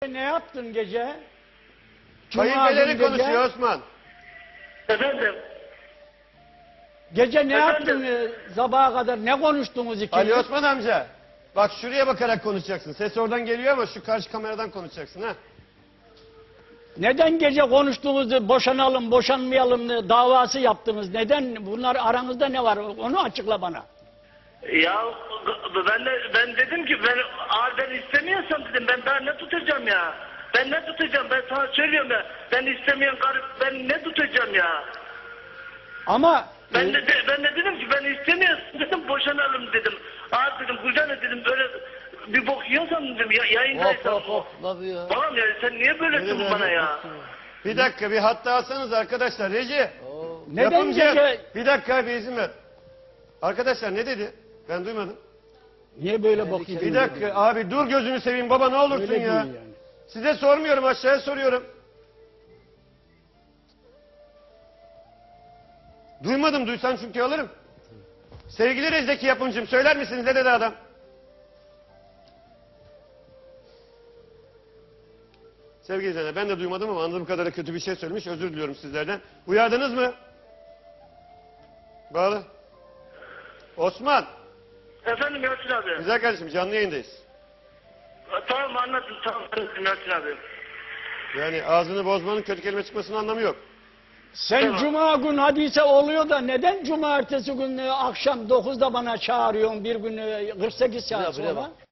Ne yaptın gece? Kayınpederi konuşuyor Osman. Efendim? Gece ne Efendim? yaptın sabaha kadar? Ne konuştunuz ikiniz? Ali Osman amca. Bak şuraya bakarak konuşacaksın. Ses oradan geliyor ama şu karşı kameradan konuşacaksın ha. Neden gece konuştuğunuzda boşanalım, boşanmayalım davası yaptınız? Neden? Bunlar aranızda ne var? Onu açıkla bana. Ya ben dedim ki ben istemiyorsam dedim ben daha ne tutacağım ya? Ben ne tutacağım? Ben sana söylüyorum ya. Ben istemeyen karı ben ne tutacağım ya? Ama Ben de dedim ki ben istemiyorsam dedim boşanalım dedim. Dedim kucağına dedim böyle bir bok yiyorsam dedim yayındaysam. Hop nasıl ya? Tamam ya sen niye böyle diyorsun bana ya? Bir dakika bir hatta alsanız arkadaşlar. Reji. neden Yapımcı. gece... Bir dakika bir izin ver. Arkadaşlar ne dedi? Ben duymadım. Niye böyle bakıyorsun? Bir dakika abi dur gözünü seveyim baba ne olursun Öyle ya. değil yani. Size sormuyorum aşağıya soruyorum. Duymadım duysan çünkü alırım. Sevgili Rezdeki yapımcım söyler misiniz ne dedi adam? Sevgili izleyenler ben de duymadım ama anladığım kadarıyla kötü bir şey söylemiş özür diliyorum sizlerden. Uyardınız mı? Bağlı. Osman. Efendim Yasin abi. Güzel kardeşim canlı yayındayız. Tamam anladım tamam Yasin abi. Yani ağzını bozmanın kötü kelime çıkmasının anlamı yok. Sen Tamam. cuma gün hadise oluyor da neden cumartesi günü akşam 9'da bana çağırıyorsun bir gün 48 saat Buraya sonra? bak.